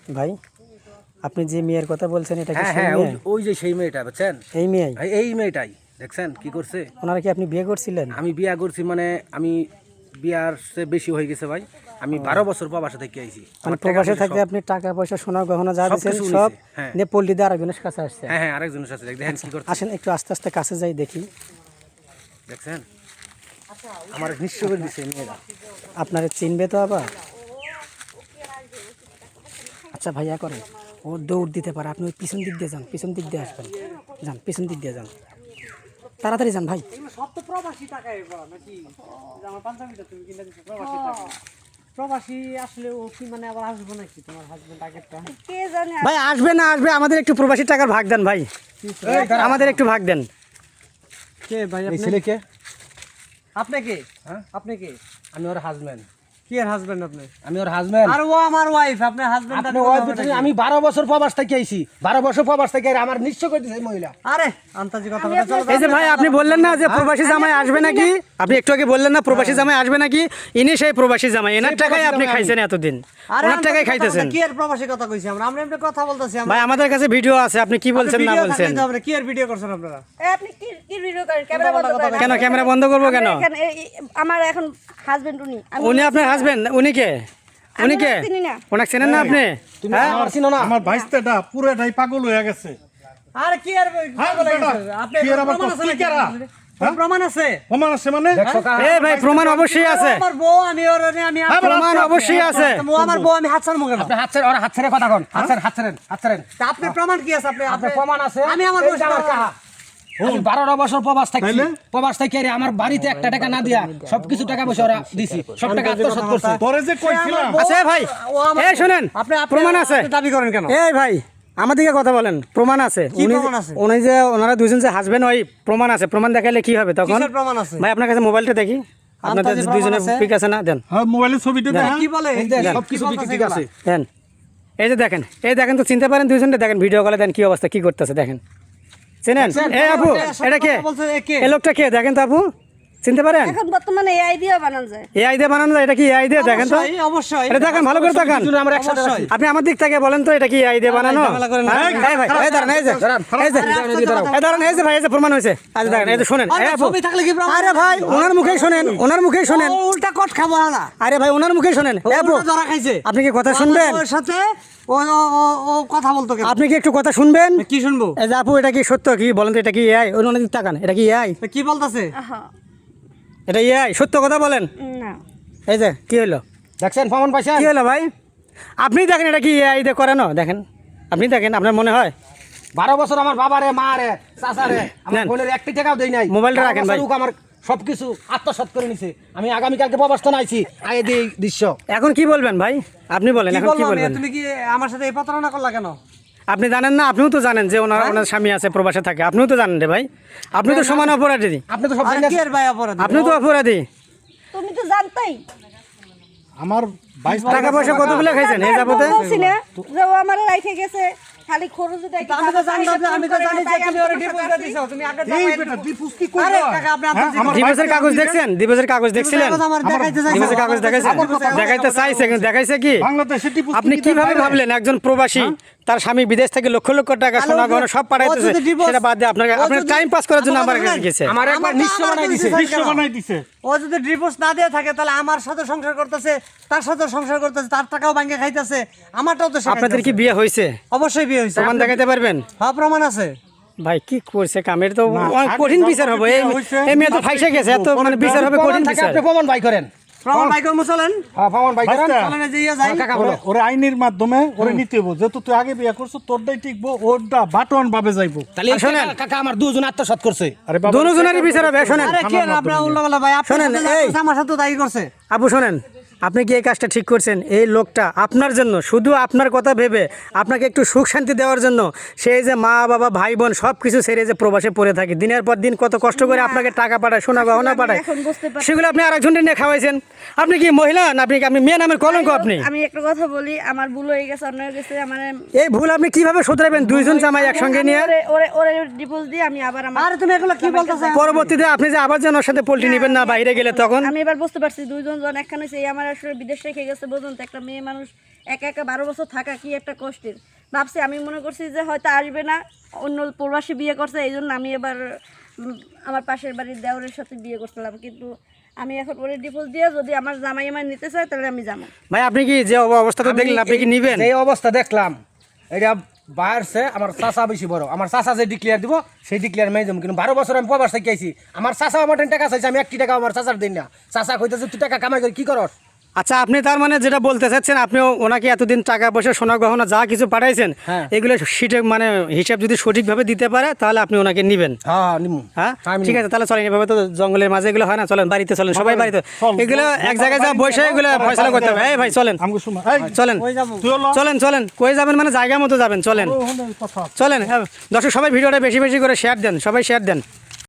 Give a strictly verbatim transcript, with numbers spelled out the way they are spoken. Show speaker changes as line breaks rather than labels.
ভাই আপনি যে মেয়ের কথা বলছেন এটা কি
হ্যাঁ
সেই
হ্যাঁ
মেয়ে?
ওই- ওই যে সেই মেয়েটা বুঝছেন,
এই মেয়ে
এই- এই মেয়েটাই দেখছেন কি করছে।
ওনারা কি আপনি বিয়ে করছিলেন?
আমি বিয়া করছি মানে আমি বিয়ার চেয়ে বেশি হয়ে গেছে ভাই। আমি বারো বছর প্রবাসে থেকে আইছি।
মানে
আমার টাকা
প্রবাসে
পয়সা
থাকতে
সব-
আপনি টাকা পয়সা সোনা গহনা যা
সব
দিয়েছেন
কিছু
সব
নিছে, হ্যাঁ।
নিয়ে পল্লী দিয়ে আরেকজনের কাছে আসছে।
হ্যাঁ হ্যাঁ আরেকজনের সাথে দেখেন কি করছে
আসেন একটু আস্তে আস্তে কাছে যাই দেখি।
দেখছেন, আমার নিঃস্ব করে দিছে মেয়েরা।
আপনারা চিনবে তো আবার। আচ্ছা ভাইয়া করেন, ও দৌড় দিতে পারে, আপনি ওই পিছন দিক দিয়ে যান, পিছন দিক দিয়ে আসবেন, যান পিছন দিক দিয়ে যান, তাড়াতাড়ি যান ভাই।
সব তো প্রবাসী টাকায় নাকি? আমার পাঞ্জাবিটা তুমি কিনে দিচ্ছ প্রবাসী টাকা। প্রবাসী আসলে ও কি মানে আবার আসবো নাকি তোমার হাজবেন্ড আগেরটা?
কে জানে।
ভাই আসবে না আসবে, আমাদের একটু প্রবাসী টাকার ভাগ দেন ভাই, আমাদের একটু ভাগ দেন।
কে ভাই
এই
আপনি?
ছেলে কে?
আপনি কে?
হ্যাঁ?
আপনি কে?
আমি ওর হাজবেন্ড।
কি এর হাজবেন্ড আপনি?
আমি ওর হাজবেন্ড।
আর ও আমার ওয়াইফ, আপনার হাজবেন্ড।
আপনি ওই বুঝছেন, আমি বারো বছর প্রবাস থেকে আইছি, বারো বছর প্রবাস থেকে আইছি, আমার নিঃস্ব করে দিছে এই মহিলা।
আরে আন্তাজি কথা বলতে চলো।
এই যে ভাই আপনি বললেন না যে প্রবাসী জামাই আসবে নাকি, আপনি একটু আগে বললেন না প্রবাসী জামাই আসবে নাকি, ইনি সেই প্রবাসী জামাই, এনার টাকায় আপনি খাইছেন এতদিন,
আরে
ওনার টাকায় খাইতেছেন।
কি এর প্রবাসী কথা কইছি আমরা? আমরা এমনি কথা বলতেছি আমরা।
ভাই আমাদের কাছে ভিডিও আছে, আপনি কি বলছেন না বলছেন।
আমরা কি এর ভিডিও করছেন আপনারা?
এ, আপনি কি কি ভিডিও করেন? ক্যামেরা বন্ধ করেন।
কেন ক্যামেরা বন্ধ করবো কেন?
আমরা এখানে এই- এই- আমার এখন হাজবেন্ড উনি। আমি
উনি আপনার হাজবেন্ড? উনি কে? উনি কে?
চিনি না।
ওনাকে চেনেন না আপনি?
তুমি
হ্যাঁ?
আমার চিনো না?
আমার ভাইস্তাটা পুরোটাই পাগল হয়ে গেছে।
আরে কি এর
হ্যাঁ,
পাগল হয়ে
বেটা,
গেছে? আপনি
কি এর আবার
প্রমাণ আছে
কি
নাকি?
কেরা?
কোন প্রমাণ আছে?
প্রমাণ আছে মানে
দেখছো কা?
এ ভাই প্রমাণ অবশ্যই আছে,
আমার বউ, আমি ওর আমি
হ্যাঁ,
প্রমাণ অবশ্যই আছে।
ও আমার বউ, আমি হাত ছাড়বো কেন?
আপনি হাত ছেড়ে, ওরা হাত ছেড়ে কথা কন, হাত ছেড়ে, হাত ছেড়েন, হাত ছেড়েন।
তা আপনি প্রমাণ কি আছে? আপনি
আপনার প্রমাণ আছে?
আমি আমার
এই
বউ
যে আমার কাহা। আমি বারো বছর প্রবাস থাকছি,
তাইলে?
প্রবাস থেকে আরে আমার বাড়িতে একটা টাকা না দিয়া সবকিছু টাকা পয়সা ওরা দিছি, সব টাকা আত্মসাৎ করছে।
তোরে যে কইছিলাম
আছে ভাই,
ও আমার-
এই শুনেন,
আপনি আপনি-
প্রমাণ আছে।
আপনি দাবি করেন কেন?
এই ভাই আমাদেরকে কথা বলেন, প্রমাণ আছে।
কি
উনি
প্রমাণ আছে?
উনি যে ওনারা দুজন যে হাজবেন্ড, ওই প্রমাণ আছে। প্রমাণ দেখাইলে কি হবে তখন?
কিসের প্রমাণ আছে?
ভাই আপনার কাছে মোবাইলটা দেখি, আপনাদের
আন্তাজে প্রমাণ
দুজনের
আছে?
পিক আছে না, দেন
হ্যাঁ মোবাইলের ছবিটা দেখ
কি বলে?
এই যে
কি
সবকিছু
বলতেছে
ঠিক আছে।
এগুলা?
দেন। এই যে দেখেন, এই দেখেন তো চিনতে পারেন দুজনটা, দেখেন ভিডিও কলে দেন কি অবস্থা, কি করতেছে দেখেন। চেনেন? এই আপু এটা কে?
বলছে এ কে?
এই লোকটা কে দেখেন তো আপু, চিনতে পারেন?
এখন বর্তমানে এই আইডিয়া বানানো যায়।
এই আইডিয়া বানানো যায়, এটা কি আইডিয়া দেখেন তো,
অবশ্যই, অবশ্যই।
এটা দেখেন ভালো করে দেখেন।
দুজনে আমরা একসাথে
অবশ্যই।
আছি।
আপনি আমার দিক থেকে বলেন তো এটা কি আইডিয়া বানানো?
ঝামেলা করেন না।
হ্যাঁ? এই ভাই, এই দাঁড়ান, এই যে, এই যে, এই দাঁড়ান, এই যে ভাই, এই যে প্রমাণ হয়েছে। আচ্ছা দেখেন, এই যে শুনেন,
আরে
এই আপু,
ছবি থাকলে কি প্রমাণ?
আরে ভাই ওনার মুখেই শুনেন, ওনার মুখেই শুনেন,
ও উল্টা কট খাবো না।
আরে ভাই ওনার মুখেই শুনেন। এই আপু
উল্টা ধরা খাইছে।
আপনি কি কথা শুনবেন?
ওর সাথে ও ও- ও- ও কথা বলতো কেন?
আপনি কি একটু কথা শুনবেন?
কি শুনবো?
এই যে আপু এটা কি সত্য, কি বলেন তো, এটা কি এআই? অন্য দিক তাকান, এটা কি এআই?
কি বলতেছে?
আহা,
এটা এআই? সত্য কথা বলেন।
না।
এই যে কি হলো,
দেখছেন প্রমাণ পাইছেন?
কি হলো ভাই? আপনি দেখেন এটা কি এআই দিয়ে করানো, দেখেন আপনি দেখেন, আপনার মনে হয়?
বারো বছর আমার বাবারে, মারে, চাচারে, আমার
নেন।
বোনের একটি টাকাও দেই নাই।
মোবাইলটা
বারো
রাখেন
বছর
ভাই।
লোক আমার সবকিছু আত্মসাৎ করে নিছে। আমি আগামীকালকে প্রবাস তো নাইছি, আগে দিই দৃশ্য।
এখন কি বলবেন ভাই, আপনি বলেন
কি
এখন কি
বলবো আমি?
বলবেন?
তুমি কি আমার সাথে এই প্রতারণা করলা কেন?
আপনি জানেন না? আপনিও তো জানেন যে ওনার ওনার স্বামী আছে, প্রবাসে থাকে, আপনিও তো জানেন রে ভাই, আপনি তো সমান অপরাধী,
আপনি তো সব
আরে
জানেন।
কি এর ভাই অপরাধ?
আপনি তো অপরাধী।
তুমি তো জানতাই।
আমার বাইশ
টাকা পয়সা কতগুলো খাইছেন এই যাবতে?
বলছি না যে ও আমার রাইখে গেছে, খালি খরচ দেয়।
আমি তো জানতাম যে- আমি তো জানি যে তুমি ওরে ডিভোর্স দিয়ে দিছো। তুমি আগে
এই
জামাই-
বেটা দিপুস কি
আরে
কইরা
কাকা, আপনি আপনার
হ্যাঁ, আমার
দিবসের কাগজ দেখছেন? দিবসের কাগজ দেখছিলেন?
কথা আমার দেখাইতে চাইছে।
দিবসের কাগজ দেখাইছেন? দেখাইতে চাইছে কিন্তু দেখাইছে কি?
বাংলাদেশে টিপুস
আপনি কিভাবে ভাবলেন একজন প্রবাসী তার স্বামী বিদেশ থেকে লক্ষ লক্ষ টাকা
আরে
সোনা
ও
গহনা
যদি-
সব পাঠাইতেছে,
ও যদি divorce-
সেটা বাদ দিয়ে আপনাকে
ও
আপনার
যদি-
টাইম পাস করার জন্য
আমার
আমার
কথা
কাছে
শুনেন।
গেছে।
আমার একবার
আমার
নিঃস্ব
তো আমার
বানাই
তো
দিছে।
দিছে।
বিশ্ব বানাই দিছে।
ও যদি ডিভোর্স না দিয়ে থাকে তাহলে আমার সাথে সংসার করতেছে, তার সাথে সংসার করতেছে, তার টাকাও ব্যাংকে খাইতেছে, আমারটাও তো সে
আপনাদের কি
খাইতেছে।
বিয়ে হয়েছে?
অবশ্যই বিয়ে হয়েছে।
প্রমাণ দেখাতে পারবেন?
হ্যাঁ প্রমাণ আছে।
ভাই কি করছে কামের তো
না,
অনেক
আগে
কঠিন
যখন
বিচার হবে, এই
বিয়ে হয়েছে,
এই মেয়ে তো ফাইসে গেছে, এত মানে বিচার হবে
প্রমাণ
কঠিন
থাকে,
বিচার।
আপনি প্রমাণ বাই করেন।
প্রমাণ ভাই কর্ম চলেন।
হ্যাঁ প্রমাণ বাই করেন।
বাচ্চা।
চলেন যে ইয়ে যাই।
কাকা বলো।
ওরে আইনের মাধ্যমে ওরে নিতে হইব, যেহেতু তুই আগে বিয়ে করছো তোরটাই টিকবো, ওরটা বাটন ভাবে যাইবো।
তাহলে এই
শোনেন।
কাকা- কাকা আমার দুজন আত্মসাৎ করছে।
আরে বাবা
দুজনেরই বিচার হবে। শোনেন
আরে কি না আপনারা উল্টাপাল্টা ভাই, আপনার
শোনেন,
সাথে যা
এই-
করছে, আমার সাথে তাই করছে।
আপু শোনেন, আপনি কি এই কাজটা ঠিক করছেন? এই লোকটা আপনার জন্য, শুধু আপনার কথা ভেবে আপনাকে একটু সুখ শান্তি দেওয়ার জন্য, সেই যে মা বাবা ভাই বোন সব কিছু ছেড়ে যে প্রবাসে পড়ে থাকে, দিনের পর দিন কত কষ্ট করে আপনাকে টাকা পাঠায়, সোনা গহনা
আমি
পাঠায়,
এখন বুঝতে পারছি।
সেগুলো আপনি আরেকজনকে নিয়ে খাওয়াইছেন। আপনি কি মহিলা না? আপনি কি আপনি মেয়ে নামের কলঙ্ক আপনি?
আমি একটা কথা বলি, আমার ভুল হয়ে গেছে, অন্য হয়ে গেছে। আমার
এই ভুল আপনি কিভাবে শুধরাবেন দুইজন জামাই একসঙ্গে নিয়ে?
ওরে ওরে ওরে ডিভোর্স দিয়ে আমি আবার আমার
আরে তুমি এগুলো কি বলতেছো?
পরবর্তীতে আপনি যে আবার যেন ওর সাথে পোল্ট্রি নিবেন না বাইরে গেলে, তখন
আমি এবার বুঝতে পারছি দুইজন জন একখানে হইছে, এই আমার আসলে বিদেশ রেখে গেছে বুঝুন তো, একটা মেয়ে মানুষ একা একা বারো বছর থাকা কি একটা কষ্টের। ভাবছি আমি মনে করছি যে হয়তো আসবে না, অন্য প্রবাসী বিয়ে করছে, এই জন্য আমি এবার উম, আমার পাশের বাড়ির দেওরের সাথে বিয়ে করছিলাম। কিন্তু আমি এখন ওরে ডিভোর্স দিয়ে যদি আমার জামাই আমার নিতে চায় তাহলে আমি যাবো।
ভাই আপনি কি যে অবস্থা তো দেখলেন, আপনি কি নিবেন?
যে অবস্থা দেখলাম এটা বাইরছে আমার চাচা বেশি বড়, আমার চাচা যে ডিক্লেয়ার দিব সেই ডিক্লেয়ার মেয়ে যাবো। কিন্তু বারো বছর আমি প্রবাস থেকে আইছি, আমার চাচা আমার টাকা চাইছে, আমি একটি টাকা আমার চাচার দিন না। চাচা কইতেছে তুই টাকা কামাই করে কি করস?
আচ্ছা, আপনি তার মানে যেটা বলতে চাচ্ছেন, আপনি ওনাকে এতদিন টাকা পয়সা সোনা গহনা যা কিছু পাঠাইছেন,
হ্যাঁ।
এগুলো সিটে মানে হিসাব যদি সঠিকভাবে দিতে পারে তাহলে আপনি ওনাকে নিবেন।
হ্যাঁ নিমু।
হ্যাঁ
আমি
ঠিক আছে, তাহলে চলেন, এভাবে তো জঙ্গলের মাঝে এগুলো হয় না, চলেন বাড়িতে চলেন, সবাই বাড়িতে
চল,
এগুলো
চল,
এক জায়গায় যা বসে এগুলো ফয়সালা করতে হবে। এই ভাই চলেন,
আমাকে শোনো, এই
চলেন
কই যাবো?
তুইও ল।
চলেন চলেন কই যাবেন মানে জায়গা মতো যাবেন, চলেন
ও, হলো এই কথা।
চলেন। হ্যাঁ, দর্শক সবাই ভিডিওটা বেশি বেশি করে শেয়ার দেন, সবাই শেয়ার দেন।